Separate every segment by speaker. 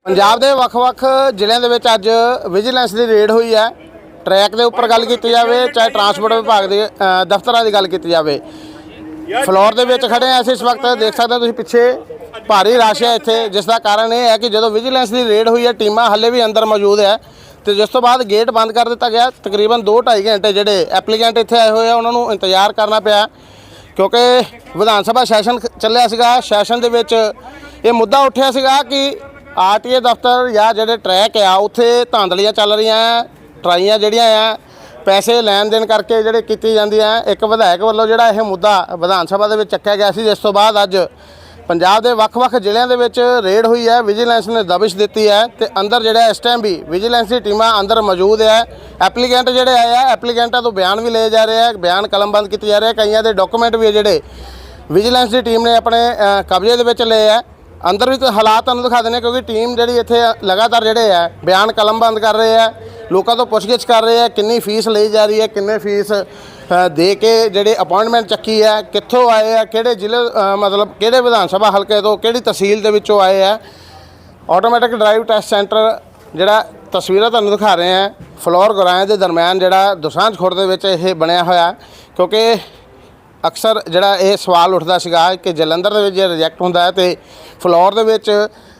Speaker 1: ਪੰਜਾਬ ਦੇ ਵੱਖ-ਵੱਖ ਜ਼ਿਲ੍ਹਿਆਂ ਦੇ ਵਿੱਚ ਅੱਜ ਵਿਜੀਲੈਂਸ ਦੀ ਰੇਡ ਹੋਈ ਹੈ। ਟਰੈਕ ਦੇ ਉੱਪਰ ਗੱਲ ਕੀਤੀ ਜਾਵੇ, ਚਾਹੇ ਟਰਾਂਸਪੋਰਟ ਵਿਭਾਗ ਦੇ ਦਫ਼ਤਰਾਂ ਦੀ ਗੱਲ ਕੀਤੀ ਜਾਵੇ। ਫਲੋਰ ਦੇ ਵਿੱਚ ਖੜੇ ਆ ਅਸੀਂ ਇਸ ਵਕਤ, ਦੇਖ ਸਕਦੇ ਹੋ ਤੁਸੀਂ ਪਿੱਛੇ ਭਾਰੀ ਰਸ਼ ਹੈ ਇੱਥੇ, ਜਿਸ ਦਾ ਕਾਰਨ ਇਹ ਹੈ ਕਿ ਜਦੋਂ ਵਿਜੀਲੈਂਸ ਦੀ ਰੇਡ ਹੋਈ ਹੈ ਟੀਮਾਂ ਹਾਲੇ ਵੀ ਅੰਦਰ ਮੌਜੂਦ ਹੈ ਤੇ ਜਿਸ ਤੋਂ ਬਾਅਦ ਗੇਟ ਬੰਦ ਕਰ ਦਿੱਤਾ ਗਿਆ। ਤਕਰੀਬਨ 2-2.5 ਘੰਟੇ ਜਿਹੜੇ ਐਪਲੀਕੈਂਟ ਇੱਥੇ ਆਏ ਹੋਏ ਆ ਉਹਨਾਂ ਨੂੰ ਇੰਤਜ਼ਾਰ ਕਰਨਾ ਪਿਆ, ਕਿਉਂਕਿ ਵਿਧਾਨ ਸਭਾ ਸੈਸ਼ਨ ਚੱਲਿਆ ਸੀਗਾ। ਸੈਸ਼ਨ ਦੇ ਵਿੱਚ ਇਹ ਮੁੱਦਾ ਉੱਠਿਆ ਸੀਗਾ ਕਿ ਆਰਟੀਏ ਦਫ਼ਤਰ ਜਾਂ ਜਿਹੜੇ ਟਰੈਕ ਆ ਉੱਥੇ ਧਾਂਦਲੀਆਂ ਚੱਲ ਰਹੀਆਂ, ਟਰਾਈਆਂ ਜਿਹੜੀਆਂ ਆ ਪੈਸੇ ਲੈਣ ਦੇਣ ਕਰਕੇ ਜਿਹੜੇ ਕੀਤੀ ਜਾਂਦੀਆਂ। ਇੱਕ ਵਿਧਾਇਕ ਵੱਲੋਂ ਜਿਹੜਾ ਇਹ ਮੁੱਦਾ ਵਿਧਾਨ ਸਭਾ ਦੇ ਵਿੱਚ ਚੱਕਿਆ ਗਿਆ ਸੀ, ਜਿਸ ਤੋਂ ਬਾਅਦ ਅੱਜ ਪੰਜਾਬ ਦੇ ਵੱਖ-ਵੱਖ ਜ਼ਿਲ੍ਹਿਆਂ ਦੇ ਵਿੱਚ ਰੇਡ ਹੋਈ ਹੈ। ਵਿਜੀਲੈਂਸ ਨੇ ਦਬਿਸ਼ ਦਿੱਤੀ ਹੈ ਤੇ ਅੰਦਰ ਜਿਹੜਾ ਇਸ ਟਾਈਮ ਵੀ ਵਿਜੀਲੈਂਸ ਦੀ ਟੀਮਾਂ ਅੰਦਰ ਮੌਜੂਦ ਹੈ। ਐਪਲੀਕੈਂਟ ਜਿਹੜੇ ਆਏ ਆ, ਐਪਲੀਕੈਂਟਾਂ ਤੋਂ ਬਿਆਨ ਵੀ ਲਏ ਜਾ ਰਹੇ ਆ, ਬਿਆਨ ਕਲਮਬੰਦ ਕੀਤੇ ਜਾ ਰਹੇ ਆ। ਕਈਆਂ ਦੇ ਡਾਕੂਮੈਂਟ ਵੀ ਜਿਹੜੇ ਵਿਜੀਲੈਂਸ ਦੀ ਟੀਮ ਨੇ ਆਪਣੇ ਕਬਜ਼ੇ ਦੇ ਵਿੱਚ ਲਏ ਆ। ਅੰਦਰ ਵੀ ਹਾਲਾਤ ਤੁਹਾਨੂੰ ਦਿਖਾ ਦਿੰਦੇ, ਕਿਉਂਕਿ ਟੀਮ ਜਿਹੜੀ ਇੱਥੇ ਲਗਾਤਾਰ ਜਿਹੜੇ ਆ ਬਿਆਨ ਕਲਮਬੰਦ ਕਰ ਰਹੇ ਆ, ਲੋਕਾਂ ਤੋਂ ਪੁੱਛਗਿੱਛ ਕਰ ਰਹੇ ਆ, ਕਿੰਨੀ ਫੀਸ ਲਈ ਜਾ ਰਹੀ ਹੈ, ਕਿੰਨੇ ਫੀਸ ਦੇ ਕੇ ਜਿਹੜੇ ਅਪਾਇੰਟਮੈਂਟ ਚੱਕੀ ਹੈ, ਕਿੱਥੋਂ ਆਏ ਆ, ਕਿਹੜੇ ਜ਼ਿਲ੍ਹੇ ਮਤਲਬ ਕਿਹੜੇ ਵਿਧਾਨ ਸਭਾ ਹਲਕੇ ਤੋਂ, ਕਿਹੜੀ ਤਹਿਸੀਲ ਦੇ ਵਿੱਚੋਂ ਆਏ ਆ। ਆਟੋਮੈਟਿਕ ਡਰਾਈਵ ਟੈਸਟ ਸੈਂਟਰ ਜਿਹੜਾ ਤਸਵੀਰਾਂ ਤੁਹਾਨੂੰ ਦਿਖਾ ਰਹੇ ਆ, ਫਲੋਰ ਗੁਰਾਇਆ ਦੇ ਦਰਮਿਆਨ ਜਿਹੜਾ ਦੋਸਾਂਝ ਖੁਰਦ ਦੇ ਵਿੱਚ ਇਹ ਬਣਿਆ ਹੋਇਆ, ਕਿਉਂਕਿ ਅਕਸਰ ਜਿਹੜਾ ਇਹ ਸਵਾਲ ਉੱਠਦਾ ਸੀਗਾ ਕਿ ਜਲੰਧਰ ਦੇ ਵਿੱਚ ਜੇ ਰਿਜੈਕਟ ਹੁੰਦਾ ਹੈ ਤੇ ਫਲੋਰ ਦੇ ਵਿੱਚ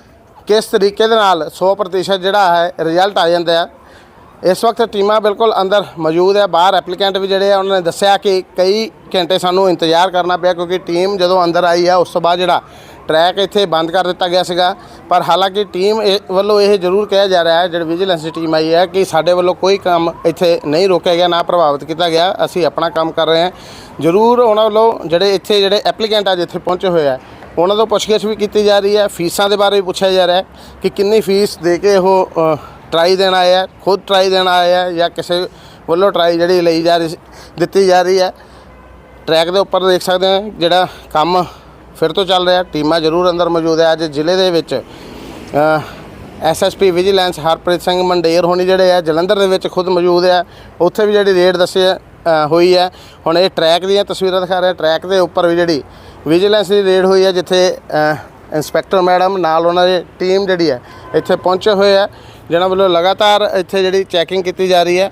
Speaker 1: ਕਿਸ ਤਰੀਕੇ ਦੇ ਨਾਲ 100% ਜਿਹੜਾ ਹੈ ਰਿਜ਼ਲਟ ਆ ਜਾਂਦਾ ਹੈ। ਇਸ ਵਕਤ ਟੀਮਾਂ ਬਿਲਕੁਲ ਅੰਦਰ ਮੌਜੂਦ ਹੈ। ਬਾਹਰ ਐਪਲੀਕੈਂਟ ਵੀ ਜਿਹੜੇ ਆ ਉਹਨਾਂ ਨੇ ਦੱਸਿਆ ਕਿ ਕਈ ਘੰਟੇ ਸਾਨੂੰ ਇੰਤਜ਼ਾਰ ਕਰਨਾ ਪਿਆ, ਕਿਉਂਕਿ ਟੀਮ ਜਦੋਂ ਅੰਦਰ ਆਈ ਆ ਉਸ ਤੋਂ ਬਾਅਦ ਜਿਹੜਾ ਟਰੈਕ ਇੱਥੇ ਬੰਦ ਕਰ ਦਿੱਤਾ ਗਿਆ ਸੀਗਾ। ਪਰ ਹਾਲਾਂਕਿ ਟੀਮ ਵੱਲੋਂ ਇਹ ਜ਼ਰੂਰ ਕਿਹਾ ਜਾ ਰਿਹਾ ਹੈ, ਜਿਹੜੀ ਵਿਜੀਲੈਂਸ ਦੀ ਟੀਮ ਆਈ ਹੈ, ਕਿ ਸਾਡੇ ਵੱਲੋਂ ਕੋਈ ਕੰਮ ਇੱਥੇ ਨਹੀਂ ਰੋਕਿਆ ਗਿਆ, ਨਾ ਪ੍ਰਭਾਵਿਤ ਕੀਤਾ ਗਿਆ। ਅਸੀਂ ਆਪਣਾ ਕੰਮ ਕਰ ਰਹੇ ਹਾਂ। ਜ਼ਰੂਰ ਉਹਨਾਂ ਵੱਲੋਂ ਜਿਹੜੇ ਐਪਲੀਕੈਂਟ ਅੱਜ ਇੱਥੇ ਪਹੁੰਚੇ ਹੋਏ ਆ ਉਹਨਾਂ ਤੋਂ ਪੁੱਛਗਿੱਛ ਵੀ ਕੀਤੀ ਜਾ ਰਹੀ ਹੈ। ਫੀਸਾਂ ਦੇ ਬਾਰੇ ਵੀ ਪੁੱਛਿਆ ਜਾ ਰਿਹਾ ਹੈ ਕਿ ਕਿੰਨੀ ਫੀਸ ਦੇ ਕੇ ਉਹ ਟਰਾਈ ਦੇਣ ਆਏ ਆ, ਖੁਦ ਟਰਾਈ ਦੇਣ ਆਏ ਆ ਜਾਂ ਕਿਸੇ ਵੱਲੋਂ ਟਰਾਈ ਜਿਹੜੀ ਦਿੱਤੀ ਜਾ ਰਹੀ ਹੈ। ਟਰੈਕ ਦੇ ਉੱਪਰ ਦੇਖ ਸਕਦੇ ਹਾਂ ਜਿਹੜਾ ਕੰਮ ਫਿਰ ਤੋਂ ਚੱਲ ਰਿਹਾ। ਟੀਮਾਂ ਜ਼ਰੂਰ ਅੰਦਰ ਮੌਜੂਦ ਹੈ। ਅੱਜ ਜ਼ਿਲ੍ਹੇ ਦੇ ਵਿੱਚ ਐਸਐਸਪੀ ਵਿਜੀਲੈਂਸ ਹਰਪ੍ਰੀਤ ਸਿੰਘ ਮੰਡੇਰ ਹੋਣੀ ਜਿਹੜੇ ਆ ਜਲੰਧਰ ਦੇ ਵਿੱਚ ਖੁਦ ਮੌਜੂਦ ਆ, ਉੱਥੇ ਵੀ ਜਿਹੜੀ ਰੇਡ ਹੋਈ ਹੈ। ਹੁਣ ਇਹ ਟਰੈਕ ਦੀਆਂ ਤਸਵੀਰਾਂ ਦਿਖਾ ਰਿਹਾ। ਟਰੈਕ ਦੇ ਉੱਪਰ ਵੀ ਜਿਹੜੀ ਵਿਜੀਲੈਂਸ ਦੀ ਰੇਡ ਹੋਈ ਹੈ, ਜਿੱਥੇ ਇੰਸਪੈਕਟਰ ਮੈਡਮ ਨਾਲ ਉਹਨਾਂ ਦੀ ਟੀਮ ਜਿਹੜੀ ਹੈ ਇੱਥੇ ਪਹੁੰਚੇ ਹੋਏ ਆ, ਜਿਹਨਾਂ ਵੱਲੋਂ ਲਗਾਤਾਰ ਇੱਥੇ ਜਿਹੜੀ ਚੈਕਿੰਗ ਕੀਤੀ ਜਾ ਰਹੀ ਹੈ।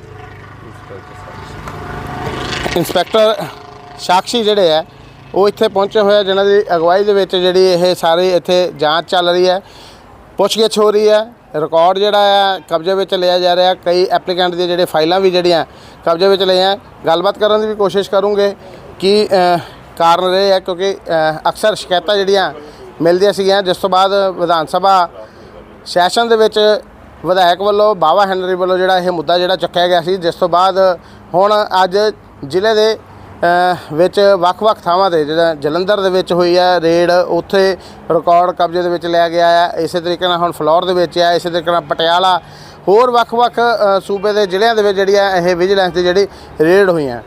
Speaker 1: ਇੰਸਪੈਕਟਰ ਸਾਕਸ਼ੀ ਜਿਹੜੇ ਆ ਉਹ ਇੱਥੇ ਪਹੁੰਚੇ ਹੋਏ ਆ, ਜਿਨ੍ਹਾਂ ਦੀ ਅਗਵਾਈ ਦੇ ਵਿੱਚ ਜਿਹੜੀ ਇਹ ਸਾਰੀ ਇੱਥੇ ਜਾਂਚ ਚੱਲ ਰਹੀ ਹੈ, ਪੁੱਛਗਿੱਛ ਹੋ ਰਹੀ ਹੈ। ਰਿਕਾਰਡ ਜਿਹੜਾ ਆ ਕਬਜ਼ੇ ਵਿੱਚ ਲਿਆ ਜਾ ਰਿਹਾ। ਕਈ ਐਪਲੀਕੈਂਟ ਦੀਆਂ ਜਿਹੜੇ ਫਾਈਲਾਂ ਵੀ ਜਿਹੜੀਆਂ ਕਬਜ਼ੇ ਵਿੱਚ ਲਈਆਂ। ਗੱਲਬਾਤ ਕਰਨ ਦੀ ਵੀ ਕੋਸ਼ਿਸ਼ ਕਰੂੰਗੇ ਕਿ ਕਾਰਨ ਰਹੇ ਹੈ, ਕਿਉਂਕਿ ਅਕਸਰ ਸ਼ਿਕਾਇਤਾਂ ਜਿਹੜੀਆਂ ਮਿਲਦੀਆਂ ਸੀਗੀਆਂ, ਜਿਸ ਤੋਂ ਬਾਅਦ ਵਿਧਾਨ ਸਭਾ ਸੈਸ਼ਨ ਦੇ ਵਿੱਚ ਵਿਧਾਇਕ ਵੱਲੋਂ ਬਾਵਾ ਹੈਨਰੀ ਵੱਲੋਂ ਜਿਹੜਾ ਇਹ ਮੁੱਦਾ ਜਿਹੜਾ ਚੱਕਿਆ ਗਿਆ ਸੀ, ਜਿਸ ਤੋਂ ਬਾਅਦ ਹੁਣ ਅੱਜ ਜ਼ਿਲ੍ਹੇ ਦੇ ਵਿੱਚ ਵੱਖ-ਵੱਖ ਥਾਵਾਂ 'ਤੇ ਜਿਹੜਾ ਜਲੰਧਰ ਦੇ ਵਿੱਚ ਹੋਈ ਹੈ ਰੇਡ, ਉੱਥੇ ਰਿਕਾਰਡ ਕਬਜ਼ੇ ਦੇ ਵਿੱਚ ਲਿਆ ਗਿਆ ਹੈ। ਇਸੇ ਤਰੀਕੇ ਨਾਲ ਹੁਣ ਫਲੋਰ ਦੇ ਵਿੱਚ ਹੈ, ਇਸੇ ਤਰੀਕੇ ਨਾਲ ਪਟਿਆਲਾ, ਹੋਰ ਵੱਖ-ਵੱਖ ਸੂਬੇ ਦੇ ਜ਼ਿਲ੍ਹਿਆਂ ਦੇ ਵਿੱਚ ਜਿਹੜੀ ਹੈ ਇਹ ਵਿਜੀਲੈਂਸ ਦੀ ਜਿਹੜੀ ਰੇਡ ਹੋਈਆਂ।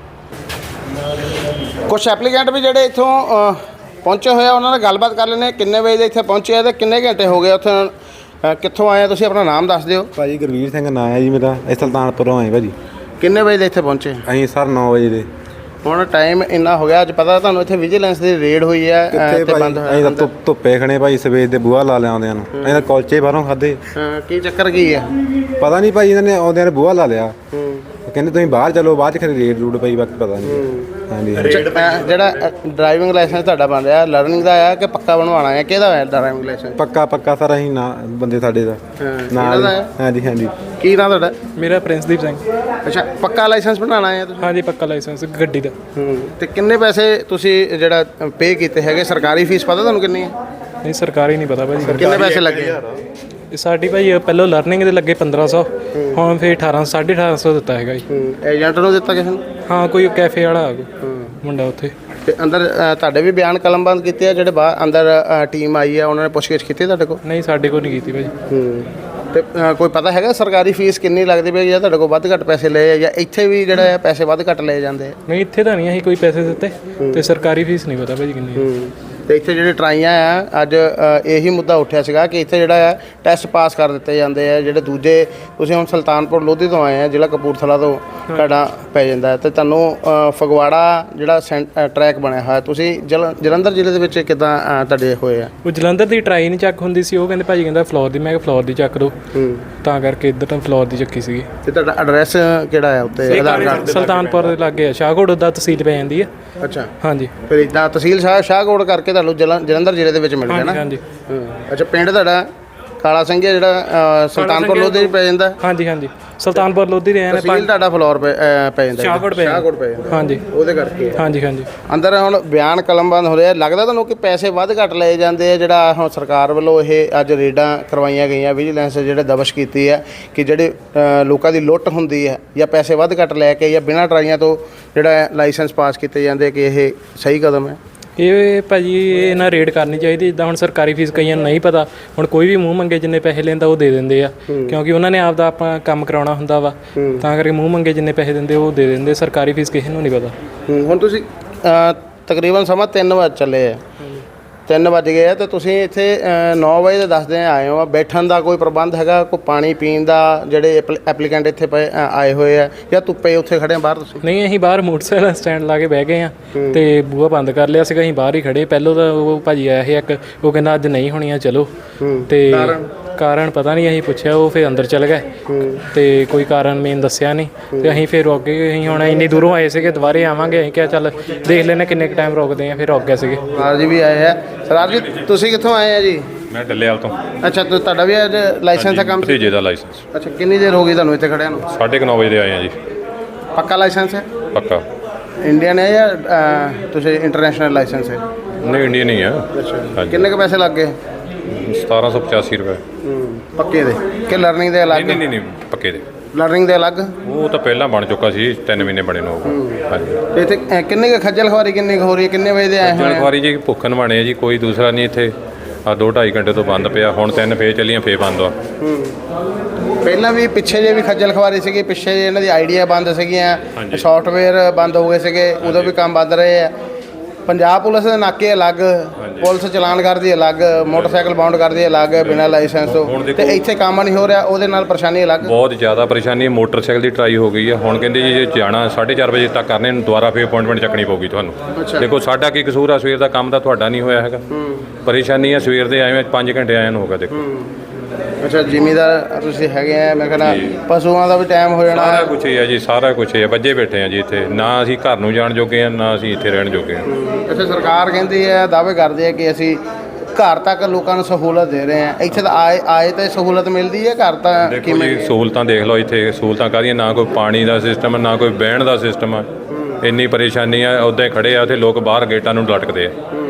Speaker 1: ਕੁਛ ਐਪਲੀਕੈਂਟ ਵੀ ਜਿਹੜੇ ਇੱਥੋਂ ਪਹੁੰਚੇ ਹੋਏ ਆ, ਉਹਨਾਂ ਨਾਲ ਗੱਲਬਾਤ ਕਰ ਲੈਂਦੇ। ਕਿੰਨੇ ਵਜੇ ਦੇ ਇੱਥੇ ਪਹੁੰਚੇ ਆ ਤੇ ਕਿੰਨੇ ਘੰਟੇ ਹੋ ਗਏ ਉੱਥੇ, ਕਿੱਥੋਂ ਆਏ ਆ ਤੁਸੀਂ? ਆਪਣਾ ਨਾਮ ਦੱਸ ਦਿਓ।
Speaker 2: ਭਾਜੀ ਗੁਰਵੀਰ ਸਿੰਘ ਨਾਂ ਹੈ ਜੀ ਮੇਰਾ, ਇਹ ਸੁਲਤਾਨਪੁਰੋਂ ਆਏ ਭਾਜੀ।
Speaker 1: ਕਿੰਨੇ ਵਜੇ ਦੇ ਇੱਥੇ ਪਹੁੰਚੇ?
Speaker 2: ਅਸੀਂ ਸਰ 9 ਵਜੇ ਦੇ।
Speaker 1: ਹੁਣ ਟਾਈਮ ਇੰਨਾ ਹੋ ਗਿਆ, ਅੱਜ ਪਤਾ ਤੁਹਾਨੂੰ ਇੱਥੇ ਵਿਜੀਲੈਂਸ ਦੀ ਰੇਡ ਹੋਈ ਹੈ ਤੇ ਬੰਦ ਹੋਇਆ।
Speaker 2: ਅਸੀਂ ਤਾਂ ਧੁੱਪੇ ਖਣੇ ਭਾਈ, ਸਵੇਰ ਦੇ ਬੂਹਾ ਲਾ ਲਿਆ ਆਉਂਦਿਆਂ ਨੂੰ। ਅਸੀਂ ਤਾਂ ਕੁਲਚੇ ਬਾਹਰੋਂ ਖਾਧੇ।
Speaker 1: ਕੀ ਚੱਕਰ ਕੀ ਹੈ
Speaker 2: ਪਤਾ ਨਹੀਂ ਭਾਈ, ਇਹਨਾਂ ਨੇ ਆਉਂਦਿਆਂ ਨੇ ਬੂਹਾ ਲਾ ਲਿਆ। ਕਹਿੰਦੇ ਤੁਸੀਂ ਬਾਹਰ ਚਲੋ, ਬਾਅਦ 'ਚ ਖਰੇ ਰੇਡ ਰੂਡ ਪਈ, ਬਾਕੀ ਪਤਾ ਨਹੀਂ। ਹਾਂਜੀ,
Speaker 1: ਜਿਹੜਾ ਡਰਾਈਵਿੰਗ ਲਾਇਸੈਂਸ ਤੁਹਾਡਾ ਬਣ ਰਿਹਾ ਲਰਨਿੰਗ ਦਾ ਆ ਕਿ ਪੱਕਾ ਬਣਵਾਉਣਾ ਹੈ? ਕਿਹਦਾ ਹੈ ਡਰਾਈਵਿੰਗ ਲਾਇਸੈਂਸ?
Speaker 2: ਪੱਕਾ ਸਰ। ਅਸੀਂ ਨਾ ਬੰਦੇ ਸਾਡੇ ਦਾ ਨਾਲ। ਹਾਂਜੀ। ਕੀ
Speaker 1: ਨਾਂ ਤੁਹਾਡਾ?
Speaker 3: ਮੇਰਾ ਪ੍ਰਿੰਸਦੀਪ ਸਿੰਘ।
Speaker 1: ਅੱਛਾ, ਪੱਕਾ ਲਾਇਸੈਂਸ ਬਣਾਉਣਾ ਹੈ ਤੁਸੀਂ?
Speaker 3: ਹਾਂਜੀ, ਪੱਕਾ ਲਾਇਸੈਂਸ ਗੱਡੀ ਦਾ।
Speaker 1: ਤੇ ਕਿੰਨੇ ਪੈਸੇ ਤੁਸੀਂ ਜਿਹੜਾ ਪੇ ਕੀਤੇ ਹੈਗੇ? ਸਰਕਾਰੀ ਫੀਸ ਪਤਾ ਤੁਹਾਨੂੰ ਕਿੰਨੀ ਹੈ?
Speaker 3: ਨਹੀਂ, ਸਰਕਾਰੀ ਨਹੀਂ ਪਤਾ ਭਾਜੀ।
Speaker 1: ਕਿੰਨੇ ਪੈਸੇ ਲੱਗੇ?
Speaker 3: ਸਾਡੀ ਭਾਈ ਪਹਿਲਾਂ ਲਰਨਿੰਗ ਦੇ ਲੱਗੇ 1500, ਹੁਣ ਫਿਰ 1850 ਦਿੱਤਾ ਹੈਗਾ ਜੀ।
Speaker 1: ਏਜੰਟ ਨੂੰ ਦਿੱਤਾ ਕਿਸੇ ਨੂੰ?
Speaker 3: ਹਾਂ, ਕੋਈ ਕੈਫੇ ਵਾਲਾ ਮੁੰਡਾ ਉੱਥੇ।
Speaker 1: ਤੇ ਅੰਦਰ ਤੁਹਾਡੇ ਵੀ ਬਿਆਨ ਕਲਮਬੰਦ ਕੀਤੇ ਆ? ਜਿਹੜੇ ਬਾਹਰ ਅੰਦਰ ਟੀਮ ਆਈ ਆ ਉਹਨਾਂ ਨੇ ਪੁੱਛਗਿੱਛ ਕੀਤੀ ਤੁਹਾਡੇ ਕੋਲ?
Speaker 3: ਨਹੀਂ, ਸਾਡੇ ਕੋਲ ਨਹੀਂ ਕੀਤੀ ਭਾਜੀ।
Speaker 1: ਤੇ ਕੋਈ ਪਤਾ ਹੈਗਾ ਸਰਕਾਰੀ ਫੀਸ ਕਿੰਨੀ ਲੱਗਦੀ ਪਈ, ਜਾਂ ਤੁਹਾਡੇ ਕੋਲ ਵੱਧ ਘੱਟ ਪੈਸੇ ਲਏ, ਜਾਂ ਇੱਥੇ ਵੀ ਜਿਹੜਾ ਪੈਸੇ ਵੱਧ ਘੱਟ ਲਏ ਜਾਂਦੇ?
Speaker 3: ਨਹੀਂ, ਇੱਥੇ ਤਾਂ ਨਹੀਂ ਅਸੀਂ ਕੋਈ ਪੈਸੇ ਦਿੱਤੇ, ਤੇ ਸਰਕਾਰੀ ਫੀਸ ਨਹੀਂ ਪਤਾ ਭਾਜੀ ਕਿੰਨੀ।
Speaker 1: ਤੇ ਇੱਥੇ ਜਿਹੜੇ ਟਰਾਈਆਂ ਆ ਅੱਜ ਇਹੀ ਮੁੱਦਾ ਉੱਠਿਆ ਸੀਗਾ ਕਿ ਇੱਥੇ ਜਿਹੜਾ ਆ ਟੈਸਟ ਪਾਸ ਕਰ ਦਿੱਤੇ ਜਾਂਦੇ ਆ ਜਿਹੜੇ ਦੂਜੇ ਤੁਸੀਂ ਹੁਣ ਸੁਲਤਾਨਪੁਰ ਲੋਧੀ ਤੋਂ ਆਏ ਆ ਜ਼ਿਲ੍ਹਾ ਕਪੂਰਥਲਾ ਤੋਂ ਤੁਹਾਡਾ ਪੈ ਜਾਂਦਾ ਤੇ ਤੁਹਾਨੂੰ ਫਗਵਾੜਾ ਜਿਹੜਾ ਟਰੈਕ ਬਣਿਆ ਹੋਇਆ ਤੁਸੀਂ ਜਲੰਧਰ ਜ਼ਿਲ੍ਹੇ ਦੇ ਵਿੱਚ ਕਿੱਦਾਂ ਤੁਹਾਡੇ ਹੋਏ ਆ?
Speaker 3: ਉਹ ਜਲੰਧਰ ਦੀ ਟਰਾਈ ਨਹੀਂ ਚੱਕ ਹੁੰਦੀ ਸੀ, ਉਹ ਕਹਿੰਦੇ ਭਾਜੀ ਕਹਿੰਦਾ ਫਲੋਰ ਦੀ, ਮੈਂ ਕਿਹਾ ਫਲੋਰ ਦੀ ਚੱਕ ਦੋ, ਤਾਂ ਕਰਕੇ ਇੱਧਰ ਤਾਂ ਫਲੋਰ ਦੀ ਚੱਕੀ ਸੀਗੀ।
Speaker 1: ਤੇ ਤੁਹਾਡਾ ਐਡਰੈਸ ਕਿਹੜਾ ਹੈ ਉੱਤੇ ਆਧਾਰ ਕਾਰਡ?
Speaker 3: ਸੁਲਤਾਨਪੁਰ ਦੇ ਲਾਗੇ ਆ, ਸ਼ਾਹਕੋਟ ਦਾ ਤਹਿਸੀਲ ਪੈ ਜਾਂਦੀ ਹੈ।
Speaker 1: ਅੱਛਾ,
Speaker 3: ਹਾਂਜੀ
Speaker 1: ਫਿਰ ਇੱਦਾਂ ਤਹਿਸੀਲ ਸ਼ਾਹਕੋਟ ਕਰਕੇ ਤੁਹਾਨੂੰ ਜਲੰਧਰ ਜ਼ਿਲ੍ਹੇ ਦੇ ਵਿੱਚ ਮਿਲ ਗਿਆ ਨਾ?
Speaker 3: ਹਾਂਜੀ।
Speaker 1: ਅੱਛਾ, ਪਿੰਡ ਤੁਹਾਡਾ ਕਾਲਾ ਸਿੰਘ ਹੈ ਜਿਹੜਾ ਸੁਲਤਾਨਪੁਰ ਲੋਧੀ ਪੈ ਜਾਂਦਾ?
Speaker 3: ਹਾਂਜੀ ਸੁਲਤਾਨਪੁਰ ਲੋਧੀ ਦੇ ਆਏ ਨੇ।
Speaker 1: ਤਹਿਸੀਲ ਤੁਹਾਡਾ ਫਲੋਰ ਪੈ ਜਾਂਦਾ?
Speaker 3: ਸ਼ਾਹਕੋਟ ਪੈ ਜਾਂਦਾ। ਹਾਂਜੀ
Speaker 1: ਉਹਦੇ ਕਰਕੇ
Speaker 3: ਹਾਂਜੀ
Speaker 1: ਅੰਦਰ ਹੁਣ ਬਿਆਨ ਕਲਮਬੰਦ ਹੋ ਰਿਹਾ। ਲੱਗਦਾ ਤੁਹਾਨੂੰ ਕਿ ਪੈਸੇ ਵੱਧ ਘੱਟ ਲਏ ਜਾਂਦੇ ਆ? ਜਿਹੜਾ ਹੁਣ ਸਰਕਾਰ ਵੱਲੋਂ ਇਹ ਅੱਜ ਰੇਡਾਂ ਕਰਵਾਈਆਂ ਗਈਆਂ, ਵਿਜੀਲੈਂਸ ਜਿਹੜੇ ਦਬਸ਼ ਕੀਤੀ ਹੈ ਕਿ ਜਿਹੜੇ ਲੋਕਾਂ ਦੀ ਲੁੱਟ ਹੁੰਦੀ ਹੈ ਜਾਂ ਪੈਸੇ ਵੱਧ ਘੱਟ ਲੈ ਕੇ ਜਾਂ ਬਿਨਾਂ ਟਰਾਈਆਂ ਤੋਂ ਜਿਹੜਾ ਲਾਇਸੈਂਸ ਪਾਸ ਕੀਤੇ ਜਾਂਦੇ, ਕਿ ਇਹ ਸਹੀ ਕਦਮ ਹੈ?
Speaker 3: ਇਹ ਭਾਜੀ ਇਹ ਨਾ ਰੇਡ ਕਰਨੀ ਚਾਹੀਦੀ। ਜਿੱਦਾਂ ਹੁਣ ਸਰਕਾਰੀ ਫੀਸ ਕਈਆਂ ਨੂੰ ਨਹੀਂ ਪਤਾ, ਹੁਣ ਕੋਈ ਵੀ ਮੂੰਹ ਮੰਗੇ ਜਿੰਨੇ ਪੈਸੇ ਲੈਂਦਾ ਉਹ ਦੇ ਦਿੰਦੇ ਆ, ਕਿਉਂਕਿ ਉਹਨਾਂ ਨੇ ਆਪਦਾ ਆਪਾਂ ਕੰਮ ਕਰਾਉਣਾ ਹੁੰਦਾ ਵਾ, ਤਾਂ ਕਰਕੇ ਮੂੰਹ ਮੰਗੇ ਜਿੰਨੇ ਪੈਸੇ ਦਿੰਦੇ ਉਹ ਦੇ ਦਿੰਦੇ। ਸਰਕਾਰੀ ਫੀਸ ਕਿਸੇ ਨੂੰ ਨਹੀਂ ਪਤਾ।
Speaker 1: ਹੁਣ ਤੁਸੀਂ ਤਕਰੀਬਨ ਸਮਾਂ 3 ਵਜੇ ਚੱਲੇ ਆ, 3 ਵਜ ਗਏ ਆ ਤੇ ਤੁਸੀਂ ਇੱਥੇ 9 ਵਜੇ ਦੇ ਦੱਸਦੇ ਆਏ ਹੋ। ਬੈਠਣ ਦਾ ਕੋਈ ਪ੍ਰਬੰਧ ਹੈਗਾ? ਕੋਈ ਪਾਣੀ ਪੀਣ ਦਾ? ਜਿਹੜੇ ਐਪਲੀਕੈਂਟ ਇੱਥੇ ਆਏ ਹੋਏ ਆ ਜਾਂ ਧੁੱਪੇ ਉੱਥੇ ਖੜੇ ਆ ਬਾਹਰ ਤੁਸੀਂ?
Speaker 3: ਨਹੀਂ, ਅਸੀਂ ਬਾਹਰ ਮੋਟਰਸਾਈਕਲ ਸਟੈਂਡ ਲਾ ਕੇ ਬਹਿ ਗਏ ਆ ਤੇ ਬੂਹਾ ਬੰਦ ਕਰ ਲਿਆ ਸੀਗਾ, ਅਸੀਂ ਬਾਹਰ ਹੀ ਖੜੇ। ਪਹਿਲੋਂ ਤਾਂ ਉਹ ਭਾਜੀ ਆਇਆ ਸੀ ਇੱਕ, ਉਹ ਕਹਿੰਦਾ ਅੱਜ ਨਹੀਂ ਹੋਣੀਆਂ ਚਲੋ, ਤੇ ਕਾਰਨ ਪਤਾ ਨਹੀਂ, ਅਸੀਂ ਪੁੱਛਿਆ ਉਹ ਫਿਰ ਅੰਦਰ ਚਲ ਗਏ ਤੇ ਕੋਈ ਕਾਰਨ ਮੇਨ ਦੱਸਿਆ ਨਹੀਂ ਤੇ ਅਸੀਂ ਫਿਰ ਰੁਕ ਗਏ। ਅਸੀਂ ਹੁਣ ਇੰਨੀ ਦੂਰੋਂ ਆਏ ਸੀਗੇ, ਦੁਬਾਰੇ ਆਵਾਂਗੇ, ਅਸੀਂ ਕਿਹਾ ਚੱਲ ਦੇਖ ਲੈਣੇ ਕਿੰਨੇ ਕੁ ਟਾਈਮ ਰੁਕਦੇ ਆ, ਫਿਰ ਰੁਕ ਗਏ ਸੀਗੇ।
Speaker 1: ਸਰਦਾਰ ਜੀ ਵੀ ਆਏ ਆ। ਸਰਦਾਰ ਜੀ ਤੁਸੀਂ ਕਿੱਥੋਂ ਆਏ ਆ ਜੀ?
Speaker 4: ਮੈਂ ਡੱਲੇਵਾਲ ਤੋਂ।
Speaker 1: ਅੱਛਾ, ਤੁਹਾਡਾ ਵੀ ਅੱਜ ਲਾਇਸੈਂਸ ਦਾ ਕੰਮ ਸੀ?
Speaker 4: ਭਤੀਜੇ ਦਾ ਲਾਇਸੈਂਸ।
Speaker 1: ਅੱਛਾ, ਕਿੰਨੀ ਦੇਰ ਹੋ ਗਈ ਤੁਹਾਨੂੰ ਇੱਥੇ ਖੜਿਆਂ ਨੂੰ?
Speaker 4: 9:30 ਵਜੇ ਦੇ ਆਏ ਆ ਜੀ।
Speaker 1: ਪੱਕਾ ਲਾਇਸੈਂਸ ਹੈ?
Speaker 4: ਪੱਕਾ।
Speaker 1: ਇੰਡੀਅਨ ਹੈ ਜਾਂ ਤੁਸੀਂ ਇੰਟਰਨੈਸ਼ਨਲ ਲਾਇਸੈਂਸ ਹੈ?
Speaker 4: ਨਹੀਂ, ਇੰਡੀਅਨ ਹੀ ਆ।
Speaker 1: ਅੱਛਾ, ਕਿੰਨੇ ਕੁ ਪੈਸੇ ਲੱਗ ਗਏ?
Speaker 4: 1785 ਰੁਪਏ।
Speaker 1: ਪੱਕੇ ਦੇ ਕਿ ਲਰਨਿੰਗ ਦੇ ਅਲੱਗ?
Speaker 4: ਨਹੀਂ, ਪੱਕੇ ਦੇ।
Speaker 1: ਲਰਨਿੰਗ ਦੇ ਅਲੱਗ?
Speaker 4: ਉਹ ਤਾਂ ਪਹਿਲਾਂ ਬਣ ਚੁੱਕਾ ਸੀ, 3 ਮਹੀਨੇ ਬਣੇ ਨੂੰ। ਹਾਂਜੀ।
Speaker 1: ਤੇ ਇੱਥੇ ਕਿੰਨੇ ਕੁ ਖੱਜਲ ਖਵਾਰੀ ਕਿੰਨੀ ਕੁ ਹੋ ਰਹੀ ਹੈ? ਕਿੰਨੇ ਵਜੇ ਦੇ ਆਏ ਹੋਏ?
Speaker 4: ਜਲਖਵਾਰੀ ਜੀ ਭੁੱਖਣ ਬਣੇ ਆ ਜੀ, ਕੋਈ ਦੂਸਰਾ ਨਹੀਂ। ਇੱਥੇ ਆ 2-2.5 ਘੰਟੇ ਤੋਂ ਬੰਦ ਪਿਆ, ਹੁਣ 3 ਫੇਰ ਚੱਲੀਆਂ, ਫੇਰ ਬੰਦ ਆ।
Speaker 1: ਪਹਿਲਾਂ ਵੀ ਪਿੱਛੇ ਜੇ ਵੀ ਖੱਜਲ ਖਵਾਰੀ ਸੀਗੀ, ਪਿੱਛੇ ਜੇ ਇਹਨਾਂ ਦੀ ਆਈਡੀਆ ਬੰਦ ਸੀਗੀਆਂ, ਸੌਫਟਵੇਅਰ ਬੰਦ ਹੋ ਗਏ ਸੀਗੇ, ਉਦੋਂ ਵੀ ਕੰਮ ਵੱਧ ਰਹੇ ਆ। ਪੰਜਾਬ ਪੁਲਿਸ ਦੇ ਨਾਕੇ ਅਲੱਗ, ਪੁਲਿਸ ਚਲਾਨ ਕਰਦੀ ਅਲੱਗ, ਮੋਟਰਸਾਈਕਲ ਬਾਉਂਡ ਕਰਦੀ ਅਲੱਗ ਬਿਨਾਂ ਲਾਇਸੈਂਸ ਤੋਂ, ਤੇ ਇੱਥੇ ਕੰਮ ਨਹੀਂ ਹੋ ਰਿਹਾ, ਉਹਦੇ ਨਾਲ ਪਰੇਸ਼ਾਨੀ ਅਲੱਗ।
Speaker 4: ਬਹੁਤ ਜ਼ਿਆਦਾ ਪਰੇਸ਼ਾਨੀ ਹੈ। ਮੋਟਰਸਾਈਕਲ ਦੀ ਟਰਾਈ ਹੋ ਗਈ ਹੈ, ਹੁਣ ਕਹਿੰਦੇ ਜੀ ਜੇ ਜਾਣਾ 4:30 ਵਜੇ ਤੱਕ ਕਰਨੇ ਨੂੰ ਦੁਬਾਰਾ ਫੇਰ ਅਪਾਇੰਟਮੈਂਟ ਚੱਕਣੀ ਪਊਗੀ ਤੁਹਾਨੂੰ। ਦੇਖੋ ਸਾਡਾ ਕੀ ਕਸੂਰ ਆ? ਸਵੇਰ ਦਾ ਕੰਮ ਤਾਂ ਤੁਹਾਡਾ ਨਹੀਂ ਹੋਇਆ ਹੈਗਾ। ਪਰੇਸ਼ਾਨੀ ਆ, ਸਵੇਰ ਦੇ ਆਏ 5 ਘੰਟੇ ਆਏ ਨੂੰ ਹੋ ਗਿਆ। ਦੇਖੋ
Speaker 1: ਅੱਛਾ, ਜ਼ਿਮੀਦਾਰ ਤੁਸੀਂ ਹੈਗੇ ਆ, ਮੈਂ ਕਹਿੰਦਾ ਪਸ਼ੂਆਂ ਦਾ ਵੀ ਟਾਈਮ ਹੋ ਜਾਣਾ।
Speaker 4: ਸਾਰਾ ਕੁਛ ਹੀ ਆ ਜੀ, ਸਾਰਾ ਕੁਛ ਹੀ ਆ। ਵੱਜੇ ਬੈਠੇ ਆ ਜੀ ਇੱਥੇ, ਨਾ ਅਸੀਂ ਘਰ ਨੂੰ ਜਾਣ ਜੋਗੇ ਆ, ਨਾ ਅਸੀਂ ਇੱਥੇ ਰਹਿਣ ਜੋਗੇ ਆ।
Speaker 1: ਇੱਥੇ ਸਰਕਾਰ ਕਹਿੰਦੀ ਹੈ, ਦਾਅਵੇ ਕਰਦੇ ਆ ਕਿ ਅਸੀਂ ਘਰ ਤੱਕ ਲੋਕਾਂ ਨੂੰ ਸਹੂਲਤ ਦੇ ਰਹੇ ਆ। ਇੱਥੇ ਤਾਂ ਆਏ ਤਾਂ ਸਹੂਲਤ ਮਿਲਦੀ ਹੈ, ਘਰ ਤਾਂ
Speaker 4: ਦੇਖੋ ਜੀ ਸਹੂਲਤਾਂ ਦੇਖ ਲਓ ਇੱਥੇ। ਸਹੂਲਤਾਂ ਕਾਹਦੀਆਂ? ਨਾ ਕੋਈ ਪਾਣੀ ਦਾ ਸਿਸਟਮ, ਨਾ ਕੋਈ ਬਹਿਣ ਦਾ ਸਿਸਟਮ ਆ। ਇੰਨੀ ਪਰੇਸ਼ਾਨੀ ਆ। ਉੱਦਾਂ ਹੀ ਖੜੇ ਆ ਉੱਥੇ ਲੋਕ, ਬਾਹਰ ਗੇਟਾਂ ਨੂੰ ਲਟਕਦੇ ਆ।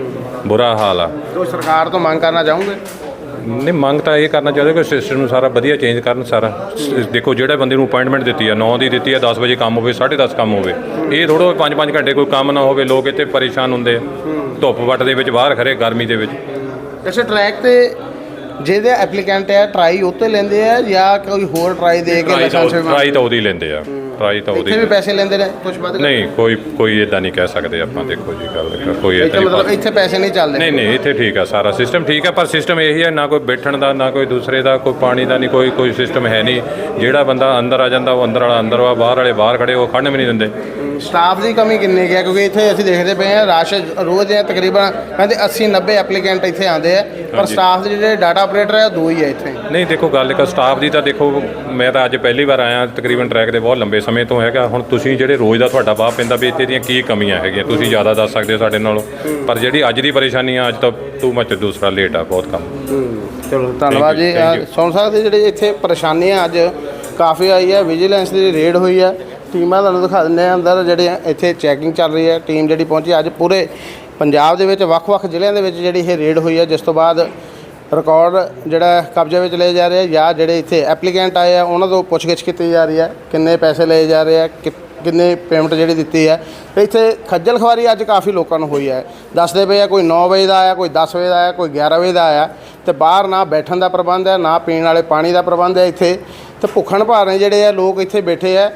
Speaker 4: ਬੁਰਾ ਹਾਲ ਆ।
Speaker 1: ਤੋ ਸਰਕਾਰ ਤੋਂ ਮੰਗ ਕਰਨਾ ਚਾਹੋਗੇ?
Speaker 4: ਨਹੀਂ, ਮੰਗ ਤਾਂ ਇਹ ਕਰਨਾ ਚਾਹੁੰਦੇ ਕਿ ਸਿਸਟਮ ਨੂੰ ਸਾਰਾ ਵਧੀਆ ਚੇਂਜ ਕਰਨ ਸਾਰਾ। ਦੇਖੋ ਜਿਹੜੇ ਬੰਦੇ ਨੂੰ ਅਪਾਇੰਟਮੈਂਟ ਦਿੱਤੀ ਆ 9 ਦੀ ਦਿੱਤੀ ਆ, 10 ਵਜੇ ਕੰਮ ਹੋਵੇ, 10:30 ਕੰਮ ਹੋਵੇ। ਇਹ ਥੋੜ੍ਹਾ 5-5 ਘੰਟੇ ਕੋਈ ਕੰਮ ਨਾ ਹੋਵੇ। ਲੋਕ ਇੱਥੇ ਪਰੇਸ਼ਾਨ ਹੁੰਦੇ ਆ ਧੁੱਪ ਵੱਟ ਦੇ ਵਿੱਚ, ਬਾਹਰ ਖੜੇ ਗਰਮੀ ਦੇ ਵਿੱਚ।
Speaker 1: ਇਸੇ ਟਰੈਕ ਤੇ ਜਿਹਦੇ ਐਪਲੀਕੈਂਟ ਹੈ ਟਰਾਈ ਉੱਤੇ ਲੈਂਦੇ ਆ ਜਾਂ ਕੋਈ ਹੋਰ ਟਰਾਈ ਦੇ ਕੇ ਲਾਇਸੈਂਸ?
Speaker 4: ਟਰਾਈ ਤਾਂ ਉਹਦੀ ਲੈਂਦੇ ਆ, ਟਰਾਈ ਤਾਂ ਉਹਦੀ।
Speaker 1: ਇੱਥੇ ਵੀ ਪੈਸੇ ਲੈਂਦੇ ਨੇ ਕੁਝ ਵੱਧ?
Speaker 4: ਨਹੀਂ, ਕੋਈ ਇਦਾਂ ਨਹੀਂ ਕਹਿ ਸਕਦੇ ਆਪਾਂ। ਦੇਖੋ ਜੀ ਗੱਲ ਕੋਈ
Speaker 1: ਇੱਥੇ ਮਤਲਬ ਇੱਥੇ ਪੈਸੇ ਨਹੀਂ ਚੱਲਦੇ?
Speaker 4: ਨਹੀਂ, ਇੱਥੇ ਠੀਕ ਆ, ਸਾਰਾ ਸਿਸਟਮ ਠੀਕ ਆ। ਪਰ ਸਿਸਟਮ ਇਹੀ ਹੈ, ਨਾ ਕੋਈ ਬੈਠਣ ਦਾ, ਨਾ ਕੋਈ ਦੂਸਰੇ ਦਾ, ਕੋਈ ਪਾਣੀ ਦਾ ਨਹੀਂ, ਕੋਈ ਸਿਸਟਮ ਹੈ ਨਹੀਂ। ਜਿਹੜਾ ਬੰਦਾ ਅੰਦਰ ਆ ਜਾਂਦਾ ਉਹ ਅੰਦਰ ਵਾਲਾ ਅੰਦਰ ਵਾ, ਬਾਹਰ ਵਾਲੇ ਬਾਹਰ ਖੜੇ, ਉਹ ਖੜਨ ਵੀ ਨਹੀਂ ਦਿੰਦੇ।
Speaker 1: ਸਟਾਫ ਦੀ ਕਮੀ ਕਿੰਨੀ ਕੁ ਹੈ? ਕਿਉਂਕਿ ਇੱਥੇ ਅਸੀਂ ਦੇਖਦੇ ਪਏ ਹਾਂ ਰਸ਼ ਰੋਜ਼ ਦੇ ਤਕਰੀਬਨ ਕਹਿੰਦੇ 80-90 ਐਪਲੀਕੈਂਟ ਇੱਥੇ ਆਉਂਦੇ ਆ, ਪਰ ਸਟਾਫ ਦੇ ਜਿਹੜੇ ਡਾਟਾ ਆਪਰੇਟਰ ਹੈ 2 ਹੀ ਹੈ ਇੱਥੇ।
Speaker 4: ਨਹੀਂ, ਦੇਖੋ ਗੱਲ ਇੱਕ ਸਟਾਫ ਦੀ ਤਾਂ ਦੇਖੋ, ਮੈਂ ਤਾਂ ਅੱਜ ਪਹਿਲੀ ਵਾਰ ਆਇਆ ਤਕਰੀਬਨ ਟਰੈਕ ਦੇ ਬਹੁਤ ਲੰਬੇ ਸਮੇਂ ਤੋਂ ਹੈਗਾ। ਹੁਣ ਤੁਸੀਂ ਜਿਹੜੇ ਰੋਜ਼ ਦਾ ਤੁਹਾਡਾ ਵਾਹ ਪੈਂਦਾ ਵੀ ਇੱਥੇ ਦੀਆਂ ਕੀ ਕਮੀਆਂ ਹੈਗੀਆਂ, ਤੁਸੀਂ ਜ਼ਿਆਦਾ ਦੱਸ ਸਕਦੇ ਹੋ ਸਾਡੇ ਨਾਲੋਂ। ਪਰ ਜਿਹੜੀ ਅੱਜ ਦੀ ਪਰੇਸ਼ਾਨੀ ਆ, ਅੱਜ ਤਾਂ ਟੂ ਮੱਚ, ਦੂਸਰਾ ਲੇਟ ਆ ਬਹੁਤ ਕੰਮ।
Speaker 1: ਚਲੋ ਧੰਨਵਾਦ ਜੀ। ਸੁਣ ਸਕਦੇ ਜਿਹੜੇ ਇੱਥੇ ਪਰੇਸ਼ਾਨੀਆਂ ਅੱਜ ਕਾਫੀ ਆਈ ਹੈ। ਵਿਜੀਲੈਂਸ ਦੀ ਰੇਡ ਹੋਈ ਹੈ, ਟੀਮਾਂ ਤੁਹਾਨੂੰ ਦਿਖਾ ਦਿੰਦੇ ਆ ਅੰਦਰ ਜਿਹੜੇ ਇੱਥੇ ਚੈਕਿੰਗ ਚੱਲ ਰਹੀ ਹੈ। ਟੀਮ ਜਿਹੜੀ ਪਹੁੰਚੀ ਅੱਜ ਪੂਰੇ ਪੰਜਾਬ ਦੇ ਵਿੱਚ ਵੱਖ-ਵੱਖ ਜ਼ਿਲ੍ਹਿਆਂ ਦੇ ਵਿੱਚ ਜਿਹੜੀ ਇਹ ਰੇਡ ਹੋਈ ਹੈ, ਜਿਸ ਤੋਂ ਬਾਅਦ ਰਿਕਾਰਡ ਜਿਹੜਾ ਕਬਜ਼ੇ ਵਿੱਚ ਲਏ ਜਾ ਰਹੇ ਜਾਂ ਜਿਹੜੇ ਇੱਥੇ ਐਪਲੀਕੈਂਟ ਆਏ ਆ ਉਹਨਾਂ ਤੋਂ ਪੁੱਛਗਿੱਛ ਕੀਤੀ ਜਾ ਰਹੀ ਹੈ, ਕਿੰਨੇ ਪੈਸੇ ਲਏ ਜਾ ਰਹੇ ਆ, ਕਿੰਨੇ ਪੇਮੈਂਟ ਜਿਹੜੀ ਦਿੱਤੀ ਹੈ। ਇੱਥੇ ਖੱਜਲ ਖਵਾਰੀ ਅੱਜ ਕਾਫੀ ਲੋਕਾਂ ਨੂੰ ਹੋਈ ਹੈ। ਦੱਸਦੇ ਪਏ ਆ ਕੋਈ 9 ਵਜੇ ਦਾ ਆਇਆ, ਕੋਈ 10 ਵਜੇ ਦਾ ਆਇਆ, ਕੋਈ 11 ਵਜੇ ਦਾ ਆਇਆ, ਤੇ ਬਾਹਰ ਨਾ ਬੈਠਣ ਦਾ ਪ੍ਰਬੰਧ ਹੈ, ਨਾ ਪੀਣ ਵਾਲੇ ਪਾਣੀ ਦਾ ਪ੍ਰਬੰਧ ਹੈ ਇੱਥੇ। ਤੇ ਭੁੱਖਣ ਭਾਰੇ ਜਿਹੜੇ ਆ ਲੋਕ ਇੱਥੇ ਬੈਠੇ ਆ,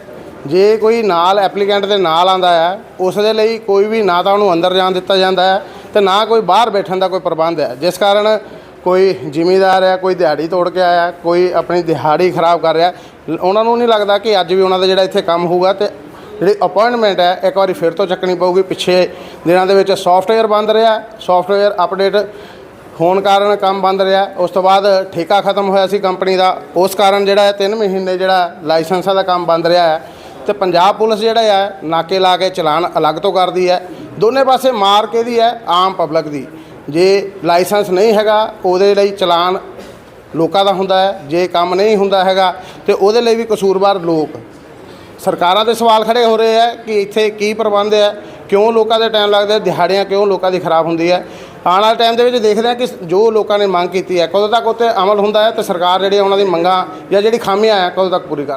Speaker 1: ਜੇ ਕੋਈ ਨਾਲ ਐਪਲੀਕੈਂਟ ਦੇ ਨਾਲ ਆਂਦਾ ਹੈ ਉਸ ਦੇ ਲਈ ਕੋਈ ਵੀ ਨਾ ਤਾਂ ਉਹਨੂੰ ਅੰਦਰ ਜਾਣ ਦਿੱਤਾ ਜਾਂਦਾ ਹੈ ਤੇ ਨਾ ਕੋਈ ਬਾਹਰ ਬੈਠਣ ਦਾ ਕੋਈ ਪ੍ਰਬੰਧ ਹੈ, ਜਿਸ ਕਾਰਨ ਕੋਈ ਜ਼ਿਮੀਂਦਾਰ ਹੈ, ਕੋਈ ਦਿਹਾੜੀ ਤੋੜ ਕੇ ਆਇਆ, ਕੋਈ ਆਪਣੀ ਦਿਹਾੜੀ ਖਰਾਬ ਕਰ ਰਿਹਾ, ਉਹਨਾਂ ਨੂੰ ਨਹੀਂ ਲੱਗਦਾ ਕਿ ਅੱਜ ਵੀ ਉਹਨਾਂ ਦਾ ਜਿਹੜਾ ਇੱਥੇ ਕੰਮ ਹੋਊਗਾ ਤੇ ਜਿਹੜੀ ਅਪਾਇੰਟਮੈਂਟ ਹੈ ਇੱਕ ਵਾਰੀ ਫਿਰ ਤੋਂ ਚੱਕਣੀ ਪਊਗੀ। ਪਿੱਛੇ ਦਿਨਾਂ ਦੇ ਵਿੱਚ ਸੌਫਟਵੇਅਰ ਬੰਦ ਰਿਹਾ, ਸੌਫਟਵੇਅਰ ਅਪਡੇਟ ਹੋਣ ਕਾਰਨ ਕੰਮ ਬੰਦ ਰਿਹਾ। ਉਸ ਤੋਂ ਬਾਅਦ ਠੇਕਾ ਖਤਮ ਹੋਇਆ ਸੀ ਕੰਪਨੀ ਦਾ, ਉਸ ਕਾਰਨ ਜਿਹੜਾ ਹੈ 3 ਮਹੀਨੇ ਜਿਹੜਾ ਲਾਇਸੈਂਸਾਂ ਦਾ ਕੰਮ ਬੰਦ ਰਿਹਾ ਹੈ। ਤੇ ਪੰਜਾਬ ਪੁਲਿਸ ਜਿਹੜਾ ਹੈ ਨਾਕੇ ਲਾ ਕੇ ਚਲਾਨ ਅਲੱਗ ਤੋਂ ਕਰਦੀ ਹੈ, ਦੋਨੇ ਪਾਸੇ ਮਾਰ ਕੇ ਦੀ ਹੈ ਆਮ ਪਬਲਿਕ ਦੀ। ਜੇ ਲਾਇਸੈਂਸ ਨਹੀਂ ਹੈਗਾ ਉਹਦੇ ਲਈ ਚਲਾਨ ਲੋਕਾਂ ਦਾ ਹੁੰਦਾ ਹੈ, ਜੇ ਕੰਮ ਨਹੀਂ ਹੁੰਦਾ ਹੈਗਾ ਤੇ ਉਹਦੇ ਲਈ ਵੀ ਕਸੂਰਵਾਰ ਲੋਕ। ਸਰਕਾਰਾਂ ਦੇ ਸਵਾਲ ਖੜੇ ਹੋ ਰਹੇ ਹੈ ਕਿ ਇੱਥੇ ਕੀ ਪ੍ਰਬੰਧ ਹੈ, ਕਿਉਂ ਲੋਕਾਂ ਦੇ ਟਾਈਮ ਲੱਗਦਾ, ਦਿਹਾੜੀਆਂ ਕਿਉਂ ਲੋਕਾਂ ਦੀ ਖਰਾਬ ਹੁੰਦੀ ਹੈ। ਆਉਣ ਵਾਲੇ ਟਾਈਮ ਦੇ ਵਿੱਚ ਦੇਖਦੇ ਹਾਂ ਕਿ ਜੋ ਲੋਕਾਂ ਨੇ ਮੰਗ ਕੀਤੀ ਹੈ ਕਦੋਂ ਤੱਕ ਉੱਤੇ ਅਮਲ ਹੁੰਦਾ ਹੈ ਤੇ ਸਰਕਾਰ ਜਿਹੜੀ ਉਹਨਾਂ ਦੀ ਮੰਗਾਂ ਜਾਂ ਜਿਹੜੀ ਖਾਮੀਆਂ ਹੈ ਕਦੋਂ ਤੱਕ ਪੂਰੀ ਕਰ